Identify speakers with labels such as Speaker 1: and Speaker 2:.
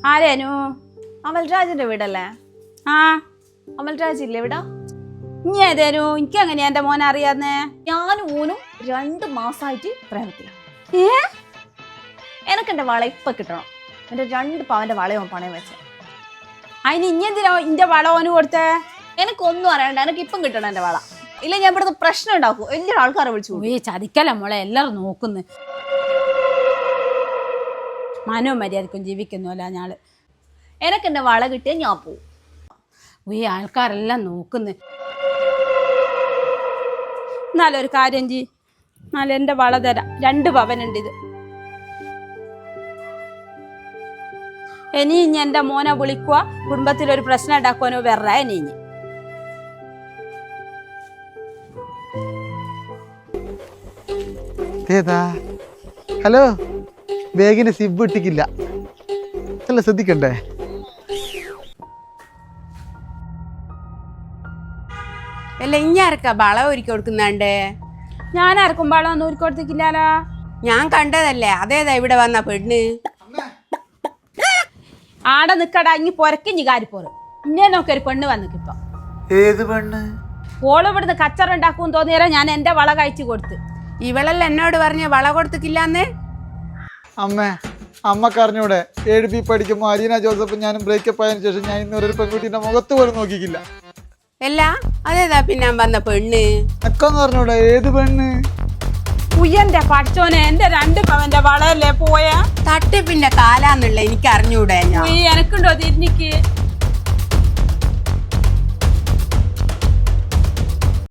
Speaker 1: ആരേനു?
Speaker 2: അമൽരാജിന്റെ വീടല്ലേ?
Speaker 1: ആ,
Speaker 2: അമൽരാജ് ഇല്ലേ ഇവിടെ?
Speaker 1: ഇനി ഏതേനു? എനിക്ക് എങ്ങനെയാ എന്റെ മോനെ അറിയാന്നേ?
Speaker 2: ഞാനും ഓനും 2 മാസമായിട്ട് പ്രേമത്തിലാണ്. എനക്ക് എന്റെ വള ഇപ്പൊ കിട്ടണം. എന്റെ 2 പവന്റെ വളയോ പണയം വെച്ച.
Speaker 1: അതിന് ഇനി എന്തിനാ ഇന്റെ വള ഓന് കൊടുത്തേ?
Speaker 2: എനിക്കൊന്നും അറിയണ്ട, എനിക്ക് ഇപ്പം കിട്ടണം എന്റെ വള. ഇല്ല ഞാൻ ഇവിടുത്തെ പ്രശ്നം ഉണ്ടാക്കും, വലിയൊരു ആൾക്കാരെ വിളിച്ചു.
Speaker 1: ചതിക്കല മോളെ, എല്ലാരും നോക്കുന്നു. മനോമര്യാദക്കും ജീവിക്കുന്നുല്ല ഞാള്.
Speaker 2: എനക്ക് എന്റെ വള കിട്ടിയാൽ ഞാൻ പോവും.
Speaker 1: ആൾക്കാരെല്ലാം നോക്കുന്നു. എന്നാലൊരു കാര്യം ചെയ്, എന്നാലും എൻ്റെ വള തരാം. 2 പവനുണ്ട് ഇത്. ഇനി എൻ്റെ മോനെ വിളിക്കുക, കുടുംബത്തിലൊരു പ്രശ്നം ഉണ്ടാക്കുവാനോ വേറെ ഇനി.
Speaker 3: ഹലോ, ബാഗിന് സിബ് ഇട്ടിക്കില്ല, അല്ല ശ്രദ്ധിക്കണ്ടേ?
Speaker 4: അല്ല ഇഞ്ഞാർക്കാ വള ഒരുക്കി കൊടുക്കുന്നാണ്ട്?
Speaker 1: ഞാൻ ആർക്കും വളമൊന്നും ഒരുക്കി കൊടുത്തിക്കില്ലാലോ.
Speaker 4: ഞാൻ കണ്ടതല്ലേ, അതേതാ ഇവിടെ വന്ന പെണ്ണ്?
Speaker 1: ആടെ നിക്കടാ, ഇനി പൊരക്കിഞ്ഞി കാരിപ്പോറ്. ഇന്നെ നോക്കി ഒരു പെണ്ണ് വന്നിക്കിപ്പൊ.
Speaker 3: ഏത് പെണ്ണ്?
Speaker 1: ഓള് ഇവിടുന്ന് കച്ചറ ഉണ്ടാക്കും തോന്നിയാലോ ഞാൻ എൻ്റെ വള കഴിച്ചു കൊടുത്ത്.
Speaker 4: ഇവളല്ല എന്നോട് പറഞ്ഞ വള കൊടുത്തിക്കില്ലാന്ന്.
Speaker 3: അമ്മക്ക് അറിഞ്ഞൂടെ? 7B പഠിക്കുമ്പോൾ അലീന ജോസഫ് ഞാനും ബ്രേക്കപ്പ് ആയതിനു ശേഷം ഞാൻ ഇന്നൊരു പെൺകുട്ടീന്റെ മുഖത്ത് പോലും നോക്കിക്കില്ല.
Speaker 4: അല്ല അതേതാ പിന്നെ വന്ന പെണ്ണ്?
Speaker 3: എക്കൊന്ന് പറഞ്ഞൂടെ ഏത് പെണ്ണ്?
Speaker 1: ഉയ്യന്റെ പഠിച്ചോനെ, എന്റെ 2 പവന്റെ വളയല്ലേ പോയാ?
Speaker 4: തട്ടിപ്പിന്റെ കാലാന്നുള്ള എനിക്ക് അറിഞ്ഞൂടെ? ഞാൻ
Speaker 1: എനക്കുണ്ടോ തിരിഞ്ഞിക്ക്?